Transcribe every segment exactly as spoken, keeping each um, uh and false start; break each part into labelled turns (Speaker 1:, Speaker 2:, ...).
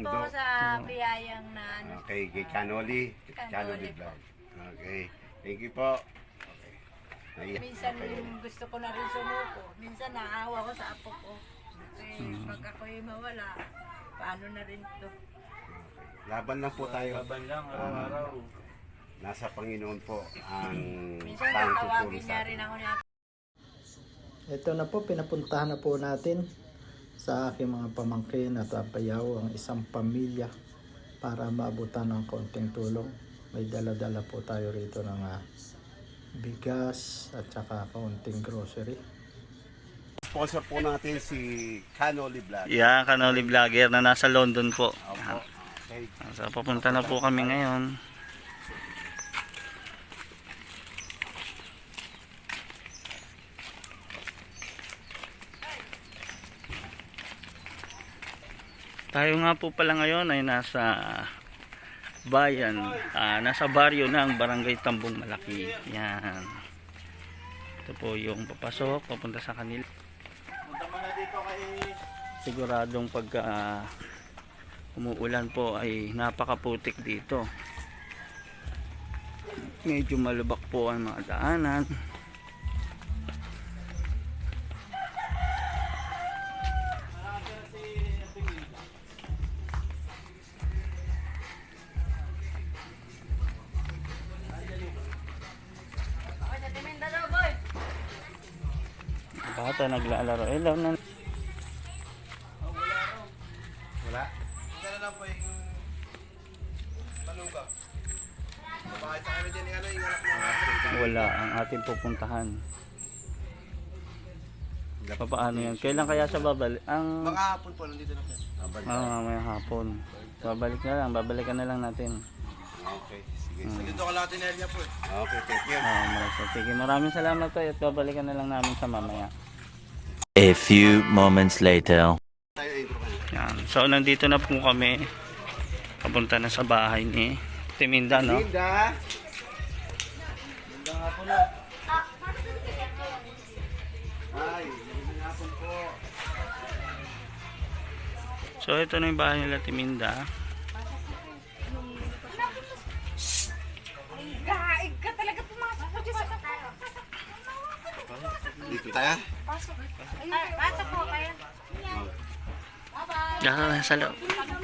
Speaker 1: po
Speaker 2: Mundo.
Speaker 1: sa biyayang na ano.
Speaker 2: Okay, kay Canoli.
Speaker 1: Canoli
Speaker 2: Canoli
Speaker 1: po.
Speaker 2: Vlog. Okay. Thank you po. Okay.
Speaker 1: Minsan gusto ko na rin sumuko. Minsan naawa ko sa apo ko. Eh, pag ako'y mawala, paano na rin to?
Speaker 2: Laban lang po tayo.
Speaker 3: Laban lang, araw-araw.
Speaker 2: Nasa Panginoon po ang
Speaker 1: Minsan
Speaker 2: tanging tutulong
Speaker 1: tatawagin
Speaker 2: sa
Speaker 1: niya
Speaker 2: atin.
Speaker 1: rin ako niya.
Speaker 4: Ito na po, pinapuntahan na po natin sa aking mga pamangkin at apayaw ang isang pamilya para maabutan ng konting tulong. May dala-dala po tayo rito ng uh, bigas at saka konting grocery.
Speaker 2: Sponsor po natin si Canoli Vlog.
Speaker 3: Yeah, Canoli Vlogger na nasa London po.
Speaker 2: Opo. Okay.
Speaker 3: So, papunta na po kami ngayon. Tayo nga po pala ngayon ay nasa bayan, ah, nasa baryo ng Barangay Tambong Malaki. Yan. Ito po yung papasok, papunta sa kanila. Siguradong pagka ah, umuulan po ay napakaputik dito. Medyo malubak po ang mga daanan. Bata naglalaro. Eh, lang na.
Speaker 2: Wala?
Speaker 5: Kaya lang po yung manuga. Bakit sa kami din yung ano, yung anak na
Speaker 3: Wala ang ating pupuntahan. Paano yan? Kailan kaya siya babalik? Ang
Speaker 5: mga hapon po, nandito na po.
Speaker 2: Abad.
Speaker 3: ah, mamaya hapon. Babalik na lang, babalikan na lang natin.
Speaker 2: Okay. Sige.
Speaker 3: Hmm.
Speaker 5: Nandito ka lahat in area po eh.
Speaker 2: Okay, thank you.
Speaker 3: Ah, maraming sige, maraming salamat tayo at babalikan na lang namin sa mamaya.
Speaker 6: A few moments later.
Speaker 2: Tayo intro ka na.
Speaker 3: Yan. So nandito na po kami. Papunta na sa bahay ni Timinda, no?
Speaker 2: Linda! Ay, magandang hapon po.
Speaker 3: So ito na yung bahay nila Timinda.
Speaker 1: Gaig ka talaga pumasok ko dyan sa
Speaker 2: Dito tayo.
Speaker 1: pasok. Ay, pasok po kayo.
Speaker 3: Diyan na sa loob.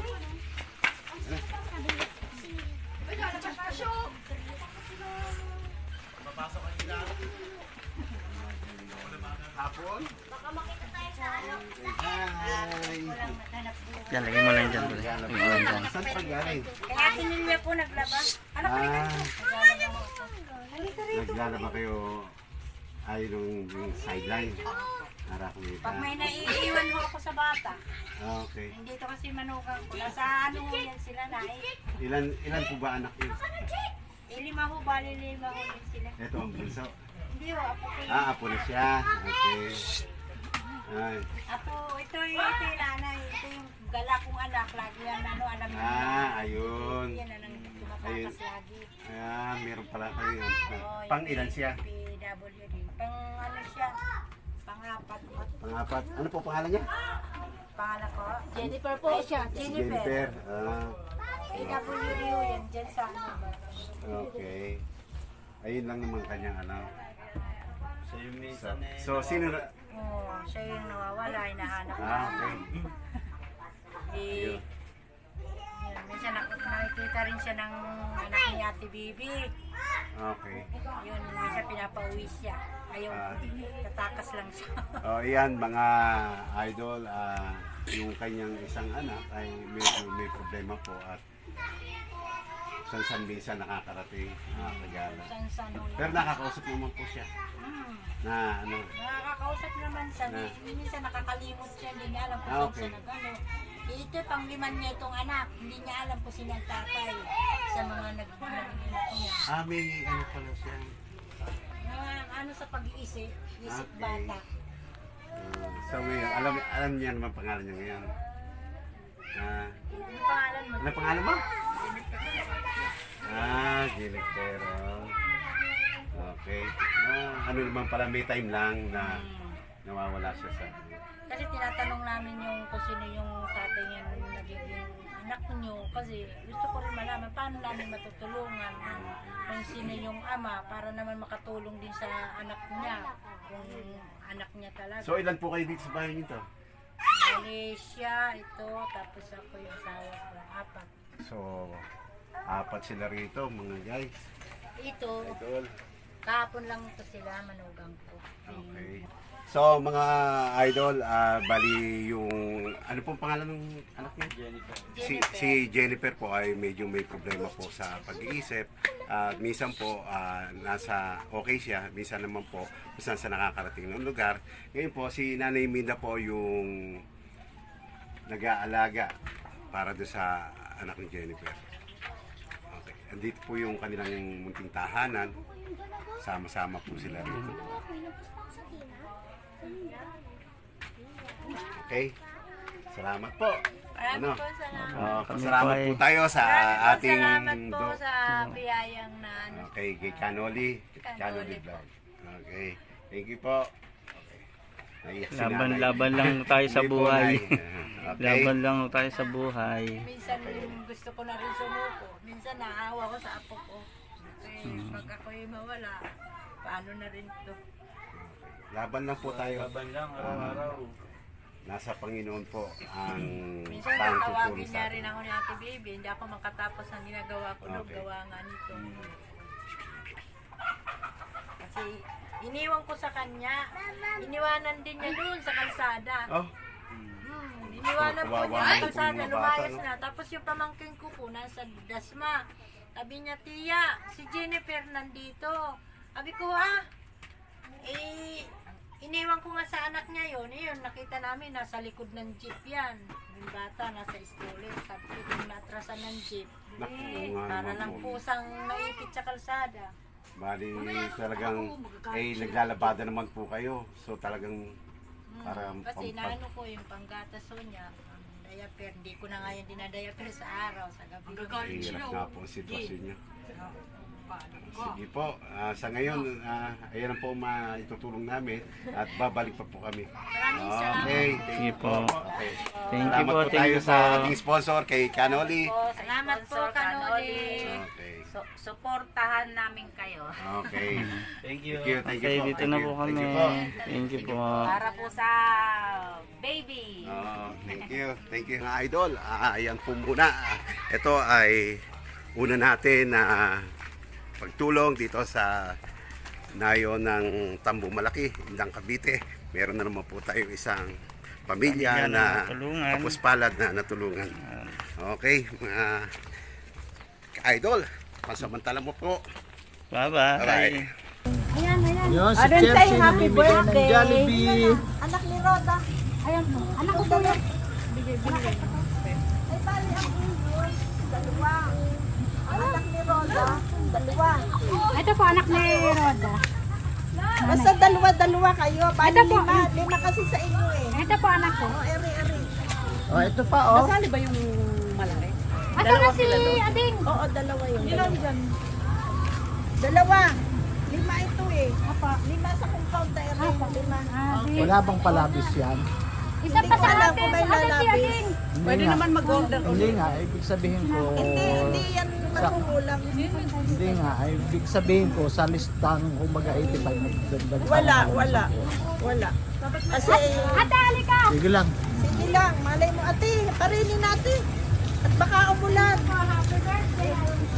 Speaker 2: Hapon? Hi!
Speaker 3: Yan, lagay mo lang dyan. Lagay mo lang dyan.
Speaker 2: Saan pa galing?
Speaker 1: Kaya sinilya po naglaba. Ano pa rin?
Speaker 2: Ah,
Speaker 1: Halika rin.
Speaker 2: naglalaba kayo ay nung yung sideline. Para kumita.
Speaker 1: Pag may naiiwan mo ako sa bata,
Speaker 2: Ah, okay.
Speaker 1: hindi to kasi manukan ko. Nasa ano ho yan sila na eh.
Speaker 2: Ilan ilan po ba anak niyo?
Speaker 1: Eh, lima ho, bali lima ho yan sila.
Speaker 2: Ito ang bunso.
Speaker 1: Hindi ho, apo ko yun.
Speaker 2: Ah, apo na siya. Okay. Ay.
Speaker 1: Apo, ito yung ito yung nanay. Ito yung gala kong anak. Lagi yan ano, alam niyo.
Speaker 2: Ah, ayun.
Speaker 1: Yan ang
Speaker 2: Ayun.
Speaker 1: tumatakas lagi.
Speaker 2: Ah, meron pala kayo.
Speaker 1: Oo,
Speaker 2: Pang
Speaker 1: yung
Speaker 2: ilan siya?
Speaker 1: P W D. Pang ano siya? Pang-apat.
Speaker 2: Pangapat. Ano po pangalan niya?
Speaker 1: Pangalan ko? Jennifer po siya.
Speaker 2: Si
Speaker 1: Jennifer.
Speaker 2: Jennifer. Ah,
Speaker 1: P W D ho yan. Dyan sa ano.
Speaker 2: okay. Ayun lang naman kanyang ano.
Speaker 3: So yung
Speaker 2: So, so sino na?
Speaker 1: Oo, siya yung nawawala. Hinahanap
Speaker 2: Ah,
Speaker 1: namin.
Speaker 2: okay.
Speaker 1: Eh,
Speaker 2: Ayun.
Speaker 1: yun, minsan nak nakikita rin siya ng anak ni Ate Bibi.
Speaker 2: Okay.
Speaker 1: Yun, minsan pinapauwi siya. Ayaw,
Speaker 2: Ah.
Speaker 1: tatakas lang siya.
Speaker 2: Oh, iyan mga idol, ah, yung kanyang isang anak ay medyo may problema po at san san minsan nakakarating ah, regalo.
Speaker 1: San-san ho
Speaker 2: Pero
Speaker 1: yan.
Speaker 2: nakakausap naman po siya
Speaker 1: Hmm.
Speaker 2: na ano.
Speaker 1: Nakakausap naman siya.
Speaker 2: Ah.
Speaker 1: Minsan nakakalimot siya. Hindi niya alam kung
Speaker 2: Ah,
Speaker 1: saan
Speaker 2: okay.
Speaker 1: siya nagano. Ito, pangliman niya itong anak. Hindi niya alam kung sino ang tatay sa mga nag nag- niya.
Speaker 2: Ah, may ano pala siya.
Speaker 1: Mga ano sa pag-iisip, isip
Speaker 2: Okay.
Speaker 1: bata.
Speaker 2: Ah, so ngayon, alam, alam niya naman pangalan niya ngayon. Ah,
Speaker 1: Ano pangalan mo?
Speaker 2: ano pangalan mo? Ah, Jennifer. Okay. Ah, ano naman pala, may time lang na nawawala siya sa...
Speaker 1: Kasi tinatanong namin yung kung sino yung tatay niya nung nagiging ano anak nyo kasi gusto ko rin malaman paano namin matutulungan kung sino yung ama para naman makatulong din sa anak niya kung anak niya talaga.
Speaker 2: So ilan po kayo dito sa bahay nito?
Speaker 1: Malaysia, ito, tapos ako yung asawa ko, apat.
Speaker 2: So, apat sila rito mga guys.
Speaker 1: Ito,
Speaker 2: Idol.
Speaker 1: kahapon lang ito sila, manugang ko.
Speaker 2: Okay. So mga idol, ah, bali yung ano pong pangalan ng anak niya? Jennifer. Si, si Jennifer po ay medyo may problema po sa pag-iisip. At minsan po ah, nasa okay siya, minsan naman po kung saan sa nakakarating ng lugar. Ngayon po si Nanay Minda po yung nag-aalaga para do sa anak ni Jennifer. Okay. Andito po yung kanilang munting tahanan. Sama-sama po sila rito. Okay. Salamat po.
Speaker 1: Maraming
Speaker 2: Ano?
Speaker 1: po salamat.
Speaker 2: Uh,
Speaker 3: Kami
Speaker 2: salamat
Speaker 3: po
Speaker 2: po
Speaker 3: ay-
Speaker 2: tayo sa
Speaker 1: Maraming po
Speaker 2: ating
Speaker 1: salamat po
Speaker 2: do-
Speaker 1: sa biyayang na ano.
Speaker 2: Okay, kay Canoli.
Speaker 1: Canoli
Speaker 2: Canoli
Speaker 1: po.
Speaker 2: Vlog. Okay. Thank you po. Okay. Naiyak si
Speaker 3: Laban,
Speaker 2: nanay.
Speaker 3: laban lang tayo sa
Speaker 2: Hindi po,
Speaker 3: buhay.
Speaker 2: Nay. Okay.
Speaker 3: Laban lang tayo sa buhay.
Speaker 1: Minsan gusto ko na rin sumuko. Minsan naawa ko sa apo ko. Eh,
Speaker 2: Hmm.
Speaker 1: pag ako'y mawala, paano na rin to?
Speaker 2: Laban lang po tayo.
Speaker 3: Laban lang,
Speaker 2: Ah,
Speaker 3: araw-araw.
Speaker 2: Nasa Panginoon po ang
Speaker 1: Minsan
Speaker 2: tanging
Speaker 1: natawagin
Speaker 2: tutulong
Speaker 1: niya
Speaker 2: sa
Speaker 1: rin
Speaker 2: atin.
Speaker 1: ako ni Ate Baby. Hindi ako makatapos ang ginagawa ko. Okay.
Speaker 2: Okay.
Speaker 1: Gawa nga nito. Kasi iniwan ko sa kanya. Iniwanan din niya doon sa kalsada.
Speaker 2: Oh,
Speaker 1: Hmm, iniwanan po
Speaker 2: Kawawa
Speaker 1: niya sa
Speaker 2: naman po
Speaker 1: kalsada.
Speaker 2: yung mga
Speaker 1: Lumayas
Speaker 2: bata, no?
Speaker 1: na. Tapos yung pamangkin ko po nasa Dasma. Sabi niya, Tia, si Jennifer nandito. Sabi ko, ah, eh, iniwan ko nga sa anak niya yun. Eh, yun, nakita namin, nasa likod ng jeep yan. Yung bata, nasa stolen. Sabi ko, yung natrasan ng jeep.
Speaker 2: Naku,
Speaker 1: Eh,
Speaker 2: nga
Speaker 1: para
Speaker 2: naman
Speaker 1: lang
Speaker 2: po.
Speaker 1: pusang naipit sa kalsada.
Speaker 2: bali talagang eh naglalabada naman po kayo. So talagang
Speaker 1: Hmm,
Speaker 2: para
Speaker 1: kasi
Speaker 2: pam-
Speaker 1: naano ko yung panggatas ho niya, ang diaper, hindi ko na nga yung dinadiaper sa araw, sa gabi.
Speaker 2: Hirap nga po ang sitwasyon niyo. Sige po, ah, sa ngayon, ah, ayan ang po maitutulong namin at babalik pa po kami.
Speaker 1: Maraming salamat.
Speaker 2: Okay, thank
Speaker 3: Sige
Speaker 2: you
Speaker 3: po.
Speaker 2: po. Okay.
Speaker 3: Thank you
Speaker 2: Salamat
Speaker 3: po,
Speaker 2: po
Speaker 3: thank
Speaker 2: tayo
Speaker 3: you
Speaker 2: sa
Speaker 3: po.
Speaker 2: ating sponsor kay Canoli.
Speaker 1: Salamat po, Kanoli.
Speaker 2: Okay.
Speaker 7: So, suportahan namin kayo.
Speaker 2: Okay.
Speaker 3: Thank you.
Speaker 2: Thank you, thank you
Speaker 3: Okay,
Speaker 2: po.
Speaker 3: dito
Speaker 2: Thank
Speaker 3: na
Speaker 2: you.
Speaker 3: po kami.
Speaker 2: Thank you po.
Speaker 3: Thank you po.
Speaker 7: Para po sa baby.
Speaker 2: Oh, thank you. Thank you mga idol. Ah, ayan po muna. Ito ay una natin na pagtulong dito sa nayo ng Tambong Malaki, Indang Cavite. Meron na naman po tayo isang pamilya
Speaker 3: Pamilya na
Speaker 2: na
Speaker 3: natulungan.
Speaker 2: tapos palad na natulungan. Okay, mga ka-idol, pansamantala mo po.
Speaker 3: Bye-bye.
Speaker 2: Bye-bye.
Speaker 4: Yun, si Chelsea namimigay ng Jollibee.
Speaker 8: Anak ni Roda. Ayan po. Anak ko po yan. Bigay, bigay. Ay, bali ang inyo. Dalawa. Ang anak ni Roda. Dalawa.
Speaker 9: Ito po anak ni Roda.
Speaker 8: Basta dalawa-dalawa kayo. Bali
Speaker 9: Ito po.
Speaker 8: lima. Lima kasi sa inyo eh.
Speaker 9: Ito po anak ko.
Speaker 8: O, eri-eri.
Speaker 4: Oh, ito pa oh.
Speaker 7: Kasali ba yung malaki?
Speaker 9: Ito na si Ading.
Speaker 8: Oo, dalawa yun. Ilan dyan? Dalawa. Lima ito eh.
Speaker 9: Apa.
Speaker 8: Lima sa compound na eri. Lima.
Speaker 9: Ah, di.
Speaker 4: Wala bang palabis yan?
Speaker 9: Isa pa
Speaker 8: Hindi ko
Speaker 9: sa
Speaker 8: alam
Speaker 9: atin.
Speaker 8: kung may
Speaker 9: Ano si
Speaker 8: lalabis.
Speaker 9: Ading?
Speaker 4: Hindi
Speaker 7: Pwede
Speaker 4: nga.
Speaker 7: naman mag-order
Speaker 4: Hindi nga, ibig sabihin ko,
Speaker 8: Hindi, hindi yan makukulang.
Speaker 4: hindi nga, ibig sabihin ko, sa listang kumbaga eighty-five, nagdagdag pa
Speaker 8: Wala,
Speaker 4: naman.
Speaker 8: wala. Wala. Kasi,
Speaker 9: Ate, halika.
Speaker 4: Sige lang.
Speaker 8: sige lang, malay mo ate, parinin natin. At baka umulan.
Speaker 9: Happy birthday.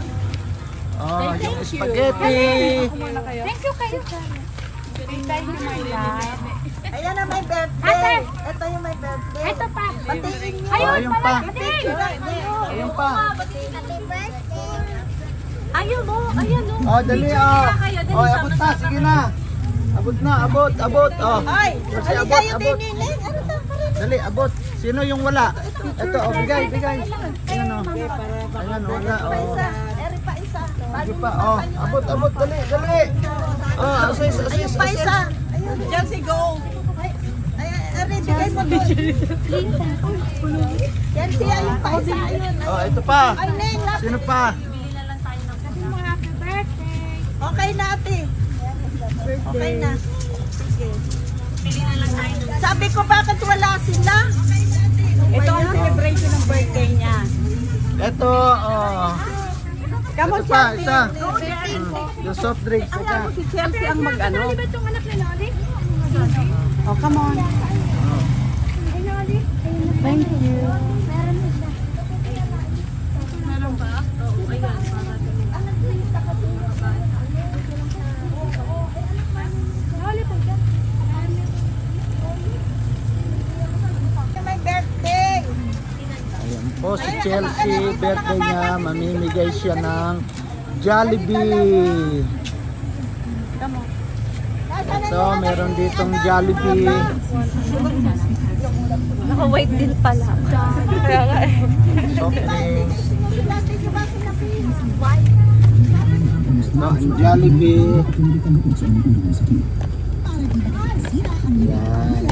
Speaker 4: Oh, yung spaghetti.
Speaker 9: Thank you kayo. Thank you, my love.
Speaker 8: Ayan na may birthday.
Speaker 9: Ate!
Speaker 8: Ito yung may birthday.
Speaker 9: Ito pa.
Speaker 8: Batiin niyo.
Speaker 4: Oh,
Speaker 9: Ayun
Speaker 4: ayun
Speaker 9: pala.
Speaker 4: pa.
Speaker 9: Ading.
Speaker 4: Ayun pa.
Speaker 8: Happy birthday.
Speaker 9: Ayun mo. Ayun mo.
Speaker 4: Oh, dali oh. Oh, abot na, sige na. Abot na, abot, abot. Oh.
Speaker 8: Ay,
Speaker 4: Kasi
Speaker 8: hali
Speaker 4: abot,
Speaker 8: kayo
Speaker 4: abot.
Speaker 8: din niling. Ano to? Parinin.
Speaker 4: Dali, abot. Sino yung wala? Ito, oh, bigay, bigay. Ayan oh. Ayan oh, wala.
Speaker 8: Pa
Speaker 4: Oh.
Speaker 8: isa. Eri pa isa.
Speaker 4: Sige pa, oh. Abot, abot, dali, dali. Oh, asis, asis,
Speaker 8: Ayun pa
Speaker 4: asis.
Speaker 8: isa. Ayun.
Speaker 7: Chelsea, go!
Speaker 8: Ay, Eri, bigay mo doon. Yan siya, ayun pa isa. Ayun.
Speaker 4: Oh, ito pa.
Speaker 8: Ay, Neng, lapit.
Speaker 4: Sino pa?
Speaker 9: Sabi mo happy birthday.
Speaker 8: Okay na ate. Okay na. Sige. Sabi ko bakit wala sila?
Speaker 7: Ito ang celebration ng birthday niya.
Speaker 4: Ito, oh.
Speaker 8: Come on,
Speaker 4: Ito pa,
Speaker 8: Chelsea.
Speaker 4: isa. Mm, yung soft drinks,
Speaker 8: Alam
Speaker 4: isa.
Speaker 8: mo si Chelsea ang mag-ano.
Speaker 9: Di ba itong anak ni Loli?
Speaker 8: Oh, come on.
Speaker 9: Ay, Loli. Thank you. Meron na siya.
Speaker 1: Meron ba? Oo, ayan.
Speaker 9: Loli po dyan.
Speaker 8: May birthday.
Speaker 4: Ayan po si Chelsea, birthday niya, mamimigay siya ng Jollibee. Ito, meron ditong Jollibee.
Speaker 7: Naka-white din pala.
Speaker 4: Soft drinks. Ito, ang Jollibee. Ayan.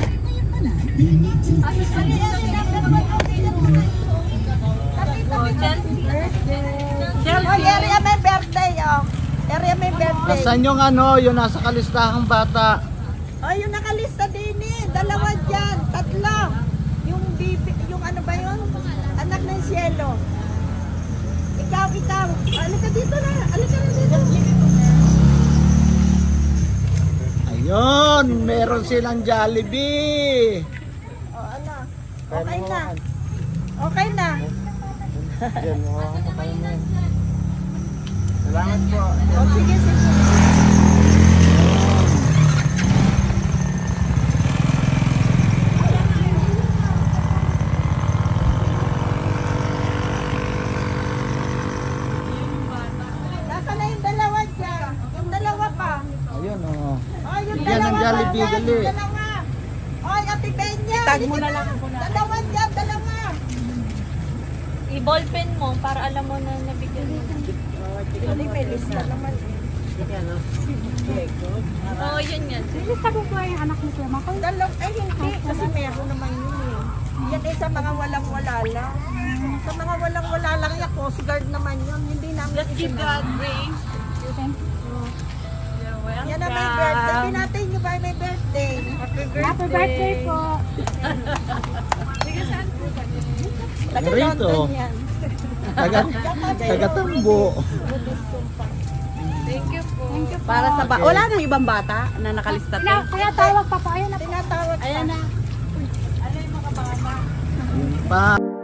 Speaker 8: Oh, area may birthday, oh. Area may birthday.
Speaker 4: Nasaan yung ano, yung nasa kalistahang bata?
Speaker 8: Oh, yung nakalista din eh. Dalawa dyan. Tatlo. Yung bibi, yung ano ba yun? Anak ng Cielo. Ikaw, ikaw. Oh, alika dito na. Alika na dito.
Speaker 4: Ayun, meron silang Jollibee.
Speaker 8: Oh, ano? Okay na. Okay na.
Speaker 4: Yan, oh, okay na. Salamat po.
Speaker 8: Oh, sige, sige. Nasaan na yung dalawa dyan? Yung dalawa pa.
Speaker 4: Ayun, oh.
Speaker 8: Oh, yung
Speaker 4: Bigyan ng
Speaker 8: dalawa
Speaker 4: Jollibee,
Speaker 8: pa dyan,
Speaker 4: dali.
Speaker 8: yung dalawa. Oh, Ate Benya.
Speaker 7: Tag mo na lang ako na.
Speaker 8: Dalawa dyan, dalawa.
Speaker 7: I-ballpen mo para alam mo na nabigyan mo.
Speaker 8: Hindi, may lista naman.
Speaker 7: Oo, oh, yun yan.
Speaker 9: Nilista ko po yung anak ni Kuya Mako.
Speaker 8: Dalaw, ay hindi, kasi meron naman yun eh. Yan ay sa mga walang-wala lang. Sa mga walang-wala lang, yung Coast Guard naman yun. Hindi namin
Speaker 1: Just give God praise.
Speaker 8: Yan na may birthday. Pinatay nyo ba may birthday?
Speaker 9: Happy birthday po.
Speaker 8: Taga
Speaker 4: Rito.
Speaker 8: London yan.
Speaker 4: Taga, taga-tambo.
Speaker 1: Thank you po.
Speaker 9: Thank you po.
Speaker 7: Para sa ba- wala nang ibang bata na nakalista
Speaker 9: Kaya, kaya tawag pa po. Ayan na po.
Speaker 8: Tinatawag pa.
Speaker 7: Ayan na.
Speaker 4: Pa.